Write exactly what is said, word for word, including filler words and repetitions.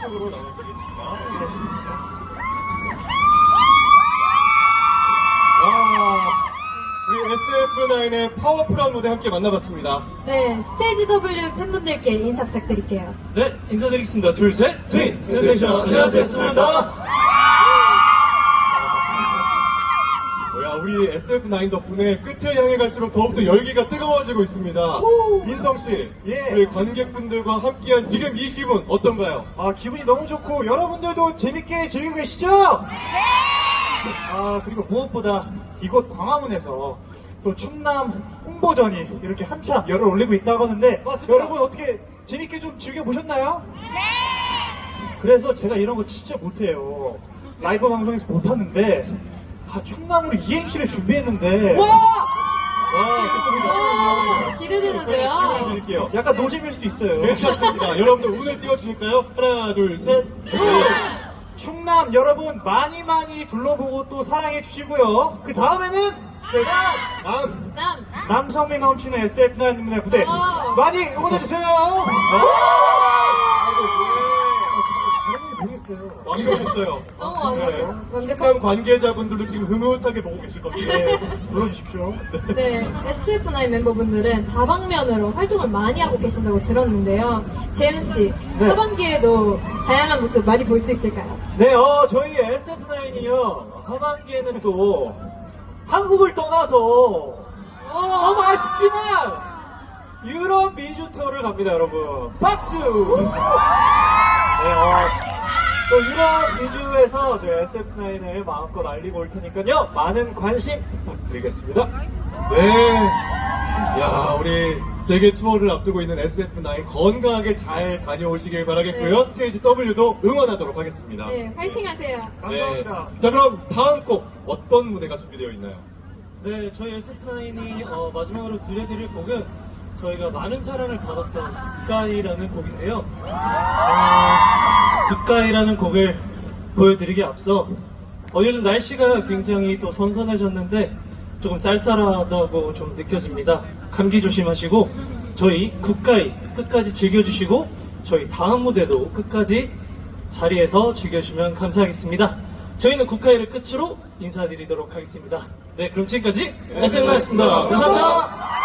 쪽으로 나눠주시겠습니다. 와, 우리 에스에프나인의 파워풀한 무대 함께 만나봤습니다. 네, 스테이지 더블유 팬분들께 인사 부탁드릴게요. 네, 인사드리겠습니다. 둘, 셋, 트윈 센세이션. 안녕하세요, 스입니다. 뭐야, 우리 에스에프나인 덕분에 끝을 향해 갈수록 더욱더 열기가 뜨거워지고 있습니다. 인성씨, 예. 우리 관객분들과 함께한 지금 이 기분 어떤가요? 아, 기분이 너무 좋고 여러분들도 재밌게 즐기고 계시죠? 아, 그리고 무엇보다 이곳 광화문에서 또 충남 홍보전이 이렇게 한참 열을 올리고 있다고 하는데 맞습니다. 여러분 어떻게 재밌게 좀 즐겨보셨나요? 네! 그래서 제가 이런 거 진짜 못해요. 라이브 방송에서 못하는데 아, 충남으로 이행시를 준비했는데 와! 와, 좋습니다. 오, 기대되는데요. 기분을 드릴게요. 약간 노잼일 수도 있어요. 괜찮습니다. 여러분들 운을 띄워주실까요? 하나, 둘, 셋. 충남 여러분 많이 많이 둘러보고 또 사랑해 주시고요. 그 다음에는 다음. 남, 남성미 넘치는 에스에프나인의 무대 오. 많이 응원해주세요. 모르겠어요. 완벽했어요. 너무 완벽해요. 충남 완벽한. 관계자분들도 지금 흐뭇하게 보고 계실 겁니다. 네, 불러주십시오. 네, 에스에프나인 멤버분들은 다방면으로 활동을 많이 하고 계신다고 들었는데요. 재윤씨, 네. 하반기에도 다양한 모습 많이 볼 수 있을까요? 네, 어, 저희 에스에프나인이요. 하반기에는 또 한국을 떠나서 너무 아쉽지만 유럽 미주 투어를 갑니다, 여러분. 박수! 네, 어, 또 유럽 미주에서 저희 에스에프나인을 마음껏 알리고 올 테니까요. 많은 관심 부탁드리겠습니다. 네. 야, 우리 세계 투어를 앞두고 있는 에스에프나인 건강하게 잘 다녀오시길 바라겠고요. 네. 스테이지 더블유도 응원하도록 하겠습니다. 네, 화이팅 하세요. 감사합니다. 자, 그럼 다음 곡 어떤 무대가 준비되어 있나요? 네, 저희 에스에프나인이 어, 마지막으로 들려드릴 곡은 저희가 많은 사랑을 받았던 굿가이라는 곡인데요. 어, 굿가이라는 곡을 보여드리기에 앞서 어, 요즘 날씨가 굉장히 또 선선해졌는데 조금 쌀쌀하다고 좀 느껴집니다. 감기 조심하시고 저희 굿가이 끝까지 즐겨주시고 저희 다음 무대도 끝까지 자리에서 즐겨주시면 감사하겠습니다. 저희는 굿가이를 끝으로 인사드리도록 하겠습니다. 네, 그럼 지금까지 에스엠나였습니다. 감사합니다.